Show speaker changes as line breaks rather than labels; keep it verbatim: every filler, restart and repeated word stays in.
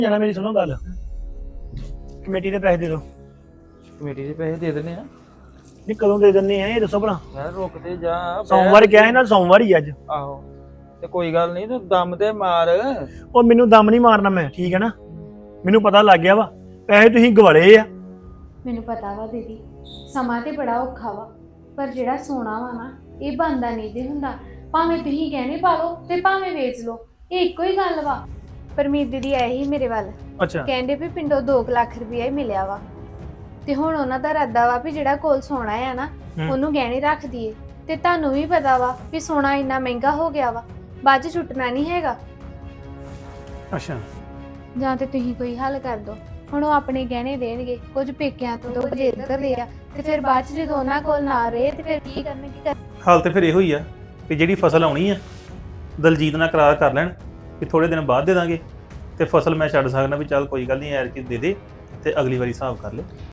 ਜਾਣਾ ਮੇਰੀ ਸੁਣੋ ਗੱਲ ਕਮੇਟੀ ਦੇ ਪੈਸੇ ਦੇ ਦਿਓ।
ਕਮੇਟੀ ਦੇ ਪੈਸੇ ਦੇ ਦਿੰਦੇ ਆ
ਨਹੀਂ ਕਦੋਂ ਦੇ ਦਿੰਦੇ ਆ ਇਹ ਦੱਸੋ ਭਲਾ।
ਯਾਰ ਰੁਕ ਤੇ ਜਾ ਬਹਿ।
ਸੋਮਵਾਰ ਕਿਹਾ ਹੈ ਨਾ ਸੋਮਵਾਰ ਹੀ ਅੱਜ।
ਆਹੋ ਤੇ ਕੋਈ ਗੱਲ ਨਹੀਂ ਤੂੰ ਦਮ ਤੇ ਮਾਰ।
ਉਹ ਮੈਨੂੰ ਦਮ ਨਹੀਂ ਮਾਰਨਾ ਮੈਂ ਠੀਕ ਹੈ ਨਾ ਮੈਨੂੰ ਪਤਾ ਲੱਗ ਗਿਆ ਵਾ ਪੈਸੇ ਤੁਸੀਂ ਗਵਾਲੇ ਆ।
ਮੈਨੂੰ ਪਤਾ ਵਾ ਦੀਦੀ ਸਮਾਂ ਤੇ ਬੜਾ ਔਖਾ ਵਾ ਪਰ ਜਿਹੜਾ ਸੋਨਾ ਵਾ ਨਾ ਇਹ ਬੰਦਾ ਨਹੀਂ ਦੇ ਹੁੰਦਾ। ਭਾਵੇਂ ਤੁਸੀਂ ਗਹਿਣੇ ਪਾ ਲਓ ਤੇ ਭਾਵੇਂ ਵੇਚ ਲਓ ਇਹ ਇੱਕੋ ਹੀ ਗੱਲ ਵਾ। ਪਰਮੀਤ ਦੀਦੀ ਆਏ ਹੀ ਮੇਰੇ ਵੱਲ
ਅੱਛਾ
ਕਹਿੰਦੇ ਵੀ ਪਿੰਡੋਂ ਦੋ ਲੱਖ ਰੁਪਇਆ ਹੀ ਮਿਲਿਆ ਵਾ ਤੇ ਹੁਣ ਉਹਨਾਂ ਦਾ ਇਰਾਦਾ ਵਾ ਵੀ ਜਿਹੜਾ ਕੋਲ ਸੋਨਾ ਆ ਨਾ ਉਹਨੂੰ ਗਹਿਣੇ ਰੱਖ ਦਈਏ। ਤੇ ਤੁਹਾਨੂੰ ਵੀ ਪਤਾ ਵਾ ਵੀ ਸੋਨਾ ਇੰਨਾ ਮਹਿੰਗਾ ਹੋ ਗਿਆ ਵਾ ਬਾਅਦ ਚ ਛੁੱਟਣਾ ਨਹੀਂ ਹੈਗਾ।
ਅੱਛਾ
ਜਾਂ ਤੇ ਤੁਸੀਂ ਕੋਈ ਹੱਲ ਕਰ ਦਿਓ। ਹੁਣ ਉਹ ਆਪਣੇ ਗਹਿਣੇ ਦੇਣਗੇ ਕੁਝ ਪੇਕਿਆਂ ਤੋਂ ਦੋ ਜੇ ਇੱਧਰ ਦੇ ਆ ਤੇ ਫਿਰ ਬਾਅਦ ਚ ਜਦੋਂ ਉਹਨਾਂ ਕੋਲ ਨਾ ਰਹੇ ਤੇ ਫਿਰ ਕੀ ਕਰਨਗੇ ਕੀ ਕਰ
ਹਾਲ ਤੇ ਫਿਰ ਇਹੋ ਹੀ ਆ ਕਿ ਜਿਹੜੀ ਫਸਲ ਆਉਣੀ ਆ ਦਲਜੀਤ ਨਾਲ ਕਰਾਰ ਕਰ ਲੈਣ ਕਿ ਥੋੜੇ ਦਿਨ ਬਾਅਦ ਦੇ ਦਾਂਗੇ ਤੇ ਫਸਲ ਮੈਂ ਛੱਡ ਸਕਦਾ ਵੀ ਚੱਲ ਕੋਈ ਗੱਲ ਨਹੀਂ ਐਰ ਕੀ ਦੇ ਦੇ ਤੇ ਅਗਲੀ ਵਾਰੀ ਹਿਸਾਬ ਕਰ ਲੈ।